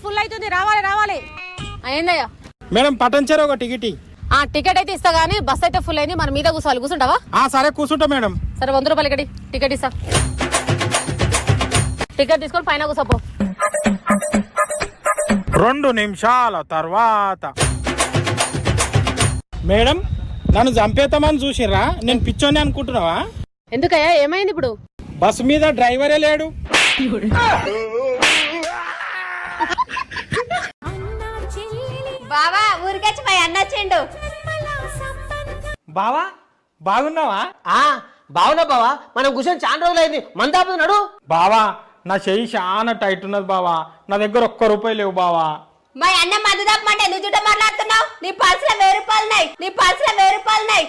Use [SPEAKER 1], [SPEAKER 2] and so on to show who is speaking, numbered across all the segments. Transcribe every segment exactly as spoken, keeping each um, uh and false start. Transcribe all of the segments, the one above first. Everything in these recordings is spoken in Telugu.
[SPEAKER 1] ఫుల్ అవుతుంది, రావాలి రావాలి. ఏందయ్యా
[SPEAKER 2] మేడం పటంచర్ ఒక టికెట్.
[SPEAKER 1] ఆ టికెట్ అయితే ఇస్తా గానీ బస్ అయితే ఫుల్ అయింది, మన మీద కూర్చోవాలి. కూర్చుంటావా?
[SPEAKER 2] ఆ సరే కూర్చుంటా మేడం.
[SPEAKER 1] సరే వంద రూపాయలు ఇక్కడి టికెట్ ఇస్తా. టికెట్ తీసుకొని పైన కూర్చోపో.
[SPEAKER 2] రెండు నిమిషాల తర్వాత మేడం నన్ను చంపేతామని చూసిర్రా? నేను పిచ్చోని అనుకుంటున్నావా?
[SPEAKER 1] ఎందుకయ్యా ఏమైంది ఇప్పుడు?
[SPEAKER 2] బస్ మీద డ్రైవరే లేడు.
[SPEAKER 3] బావా ఊరికొచ్చి మా అన్న వచ్చిండు.
[SPEAKER 2] బావా బాగున్నావా?
[SPEAKER 4] ఆ బావునా బావా, మనం కూర్చొని చాలా రోజులు అయింది. మందాపుతున్నాడు
[SPEAKER 2] బావా నా చెయ్యి చాలా టైట్ ఉన్నది బావా, నా దగ్గర ఒక్క రూపాయి లేవు బావా.
[SPEAKER 3] మా అన్న మందు తప్పమంటే నువ్వు చుట్టూ మాట్లాడుతున్నావు. నీ పర్సులో వెయ్యి రూపాయలు ఉన్నాయి, నీ పర్సులో వెయ్యి రూపాయలు ఉన్నాయి.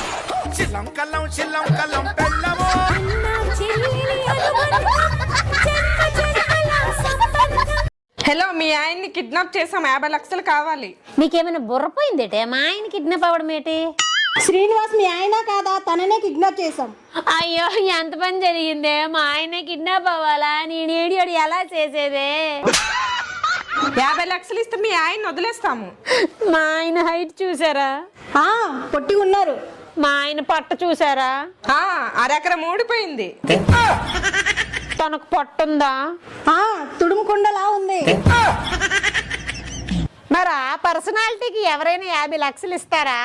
[SPEAKER 5] హలో, మీ ఆయన్ని కిడ్నాప్ చేసాం, యాభై లక్షలు కావాలి.
[SPEAKER 1] నీకేమైనా బుర్రపోయిందేటే? మా ఆయన కిడ్నాప్ అవ్వడం ఏంటి?
[SPEAKER 6] శ్రీనివాస్ మీ ఆయన కాదా? తననే కిడ్నాప్ చేసాం.
[SPEAKER 1] అయ్యో ఎంత పని జరిగిందే, మా ఆయన కిడ్నాప్ అవ్వాలా? నేను ఏడియోడు ఎలా చేసేదే?
[SPEAKER 5] యాభై లక్షలు ఇస్తే మీ ఆయన్ని వదిలేస్తాము.
[SPEAKER 1] మా ఆయన హైట్ చూసారా?
[SPEAKER 6] ఆ పొట్టి ఉన్నారు.
[SPEAKER 1] మా ఆయన పట్ట చూసారా?
[SPEAKER 5] ఆ అరెకరం ఊడిపోయింది.
[SPEAKER 1] తనకు పట్టుందా?
[SPEAKER 6] ఆ తుడుముకుండలా ఉంది.
[SPEAKER 1] మరి ఆ పర్సనాలిటీకి ఎవరైనా యాభై లక్షలు ఇస్తారా?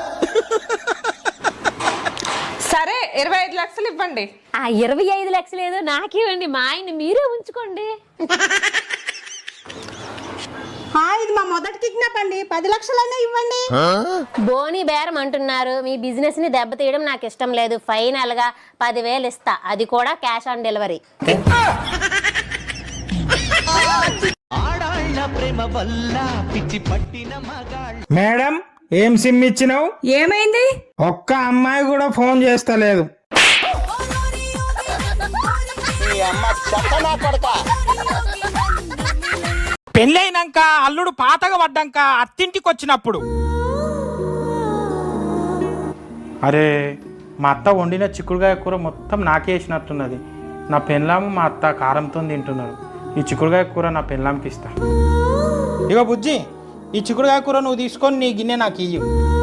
[SPEAKER 5] సరే ఇరవై ఐదు లక్షలు ఇవ్వండి.
[SPEAKER 1] ఆ ఇరవై ఐదు లక్షలు ఏదో నాకివ్వండి, మా ఆయన మీరే ఉంచుకోండి.
[SPEAKER 6] ఇది మా మొదటి కిడ్నాప్ అండి, పది లక్షలైనా ఇవ్వండి.
[SPEAKER 1] బోని బేరం అంటున్నారు. మీ బిజినెస్ ని దెబ్బతీయడం నాకు ఇష్టం లేదు. ఫైనల్ గా పదివేలు ఇస్తా, అది కూడా క్యాష్ ఆన్ డెలివరీ.
[SPEAKER 2] మేడం ఏం సిమ్ ఇచ్చినావు?
[SPEAKER 5] ఏమైంది?
[SPEAKER 2] ఒక్క అమ్మాయి కూడా ఫోన్ చేస్తలేదు. పెళ్ళైనాక అల్లుడు పాతగా పడ్డాక అత్తింటికి వచ్చినప్పుడు అరే మా అత్త వండిన చిక్కుడుకాయ కూర మొత్తం నాకే వేసినట్టున్నది. నా పెళ్ళాము మా అత్త కారంతో తింటున్నారు. ఈ చిక్కుడుకాయ కూర నా పెళ్ళాంకి ఇస్తా. ఇగో బుజ్జి, ఈ చిక్కుడుకాయ కూర నువ్వు తీసుకొని నీ గిన్నె నాకు ఇయ్యి.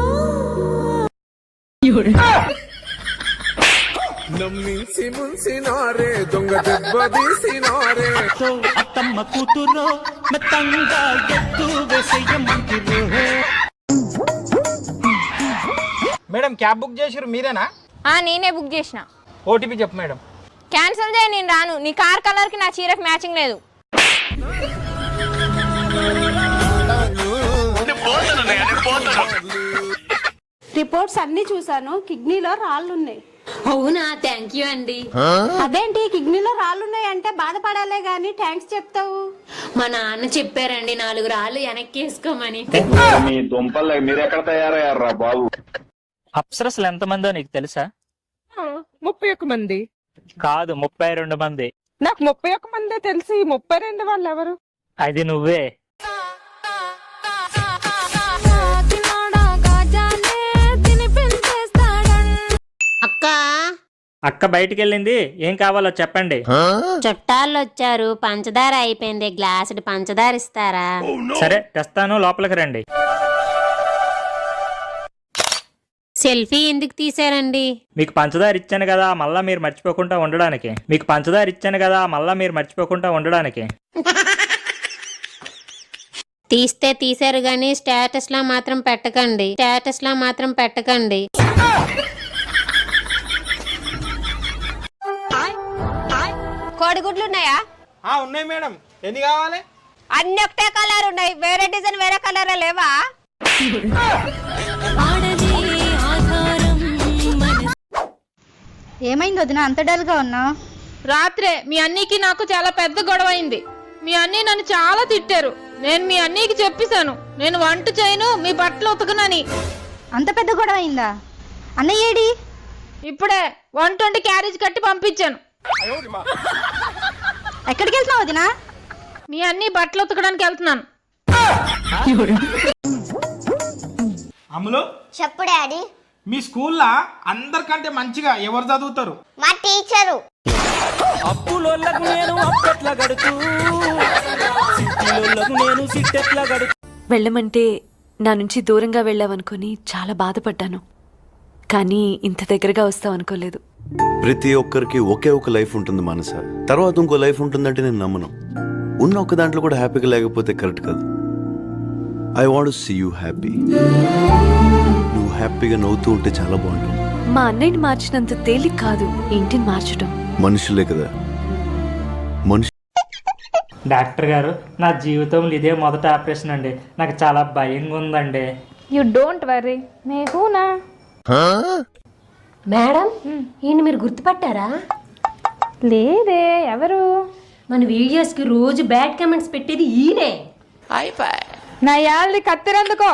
[SPEAKER 7] అత్తమ్మ కూతురో మెత్తంగా ఎత్తు వేసేయమంటిరో.
[SPEAKER 2] మేడం క్యాబ్ బుక్ చేసిరు మీరేనా?
[SPEAKER 3] ఆ నేనే బుక్ చేసిన.
[SPEAKER 2] ఓటీపీ చెప్పు మేడం.
[SPEAKER 3] క్యాన్సిల్ చేయి, నేను రాను. నీ కార్ కలర్ కి నా చీరకు మ్యాచింగ్ లేదు.
[SPEAKER 6] రిపోర్ట్స్ అన్ని చూసాను, కిడ్నీలో రాళ్ళున్నాయి.
[SPEAKER 1] అవునా? థ్యాంక్ యూ అండి.
[SPEAKER 6] అదేంటి కిడ్నీలో రాళ్ళున్నాయి అంటే బాధపడాలే గాని థ్యాంక్స్ చెప్తావు?
[SPEAKER 1] మా నాన్న చెప్పారండి నాలుగు రాళ్ళు వెనక్కి వేసుకోమని.
[SPEAKER 8] మీ దుంపలు మీరెక్కడ తయారయ్యారా బాబు?
[SPEAKER 7] అప్సరసలు ఎంతమందో నీకు తెలుసా?
[SPEAKER 5] ముప్పై ఒక్క మంది
[SPEAKER 7] కాదు, ముప్పై రెండు మంది.
[SPEAKER 5] నాకు ముప్పై ఒక్క మందే తెలిసి ముప్పై రెండు వాళ్ళు ఎవరు?
[SPEAKER 7] అది నువ్వే.
[SPEAKER 1] అక్క
[SPEAKER 7] అక్క బయటికి వెళ్ళింది, ఏం కావాలో చెప్పండి.
[SPEAKER 1] చుట్టాలు వచ్చారు, పంచదార అయిపోయింది, గ్లాసుడు పంచదార ఇస్తారా?
[SPEAKER 7] సరే తెస్తాను, లోపలికి రండి.
[SPEAKER 1] సెల్ఫీ ఎందుకు తీసారండి?
[SPEAKER 7] మీకు పంచదార ఇచ్చాను కదా మళ్ళా మీరు మర్చిపోకుండా ఉండడానికి. మీకు పంచదార ఇచ్చాను కదా మళ్ళా మీరు మర్చిపోకుండా ఉండడానికి.
[SPEAKER 1] తీస్తే తీసారు గానీ స్టేటస్ లా మాత్రం పెట్టకండి, స్టేటస్ లా మాత్రం పెట్టకండి.
[SPEAKER 3] కోడిగుడ్లు ఉన్నాయా?
[SPEAKER 2] ఆ ఉన్నాయి మేడం, ఎన్ని కావాలి?
[SPEAKER 3] అన్ని ఒకటే కలర్ ఉన్నాయి, వేరే డిజైన్ వేరే కలర్ లేవా?
[SPEAKER 6] ఏమైంది వదిన అంత డల్ గా ఉన్నావు?
[SPEAKER 9] రాత్రే మీ అన్నీకి నాకు చాలా పెద్ద గొడవ అయింది. మీ అన్నీ నన్ను చాలా తిట్టారు. నేను మీ అన్నీకి చెప్పేశాను నేను వంట చేయను, మీ బట్టలు ఉతకనని.
[SPEAKER 6] అంత పెద్ద గొడవ అయిందా? అన్నయ్య ఏడి?
[SPEAKER 9] ఇప్పుడే వంట వండి క్యారేజ్ కట్టి పంపించాను.
[SPEAKER 6] ఎక్కడికి వెళ్తున్నావు వదిన?
[SPEAKER 9] మీ అన్నీ బట్టలు ఉతకడానికి వెళ్తున్నాను.
[SPEAKER 2] అమ్ములు
[SPEAKER 3] చెప్పు డాడీ.
[SPEAKER 2] మీ స్కూల్లో అందరికంటే మంచిగా ఎవరు చదువుతారు?
[SPEAKER 3] మా టీచరు.
[SPEAKER 7] అప్పులోళ్ళకు నేను అప్పట్ల గడుతూ, సిటీలో
[SPEAKER 10] వెళ్ళమంటే నా నుంచి దూరంగా వెళ్ళావనుకొని చాలా బాధపడ్డాను, కానీ ఇంత దగ్గరగా వస్తావు అనుకోలేదు.
[SPEAKER 11] ప్రతి ఒక్కరికి ఒకే ఒక లైఫ్ ఉంటుంది మనస, తర్వాత ఇంకో లైఫ్ ఉంటుందంటే నేను నమ్మను. ఉన్న ఒక దాంట్లో కూడా హ్యాపీగా లేకపోతే కరెక్ట్ కాదు. I want to see you happy. నువ్వు హ్యాపీగా నవ్వుతూ ఉంటే చాలా బాగుంటుంది.
[SPEAKER 10] మా అన్నయ్యని మార్చినంత తేలిక కాదు ఇంటిని మార్చడం.
[SPEAKER 11] మనుషులే కదా మనుషు.
[SPEAKER 7] డాక్టర్ గారు, నా జీవితంలో ఇదే మొదటి ఆపరేషన్ అండి. నాకు చాలా భయంగా ఉందండి.
[SPEAKER 9] యు డోంట్ వరీ, నేహూనా.
[SPEAKER 1] మేడం ఈయన మీరు గుర్తుపట్టారా?
[SPEAKER 9] లేదే, ఎవరు?
[SPEAKER 1] మన వీడియోస్ కి రోజు బ్యాడ్ కామెంట్స్ పెట్టేది ఈయనే.
[SPEAKER 9] నా యాళ్ళని కత్తిరందుకో.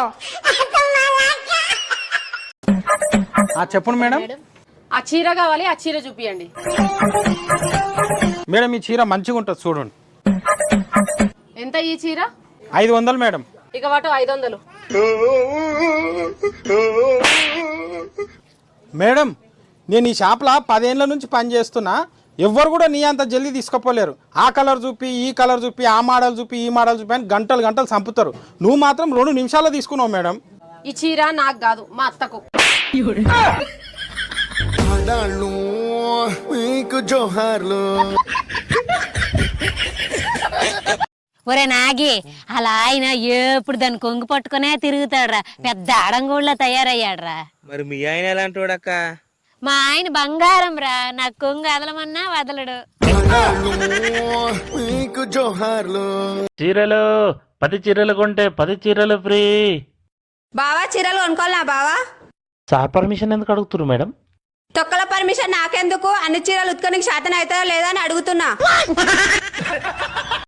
[SPEAKER 2] ఆ చెప్పండి మేడం.
[SPEAKER 5] ఆ చీర కావాలి, ఆ చీర చూపియండి.
[SPEAKER 2] మేడం ఈ చీర మంచిగా ఉంటుంది చూడండి.
[SPEAKER 5] ఎంత ఈ చీర?
[SPEAKER 2] ఐదు వందలు మేడం.
[SPEAKER 5] ఇక వాటు ఐదు వందలు.
[SPEAKER 2] మేడం నేను ఈ షాప్లో పదేళ్ళ నుంచి పని చేస్తున్నా, ఎవ్వరు కూడా నీ అంత జల్దీ తీసుకుపోలేరు. ఆ కలర్ చూపి ఈ కలర్ చూపి ఆ మోడల్ చూపి ఈ మోడల్ చూపి అని గంటలు గంటలు చంపుతారు. నువ్వు మాత్రం రెండు నిమిషాల్లో తీసుకున్నావు మేడం.
[SPEAKER 5] ఈ చీర నాకు కాదు, మా అత్తకు.
[SPEAKER 1] ఒరే నాగి, అలా ఆయన ఎప్పుడు దాన్ని కొంగు పట్టుకునే తిరుగుతాడురా, పెద్ద అడంగోళ్ళ తయారయ్యాడురా.
[SPEAKER 4] మరి మీ ఆయన ఎలాంటి వాడక్క?
[SPEAKER 1] మా ఆయన బంగారం రా, నాకు కొంగు వదలమన్నా వదలడు.
[SPEAKER 7] చీరలు పది చీరలు కొంటే పది చీరలు ఫ్రీ.
[SPEAKER 3] బావా చీరలు కొనుక్కోవాలా బావా?
[SPEAKER 7] సార్ పర్మిషన్ ఎందుకు అడుగుతున్నారు మేడం?
[SPEAKER 3] తొక్కల పర్మిషన్ నాకెందుకు? అన్ని చీరలు ఉత్కొనికి శాతం అవుతుందో లేదా అని అడుగుతున్నా.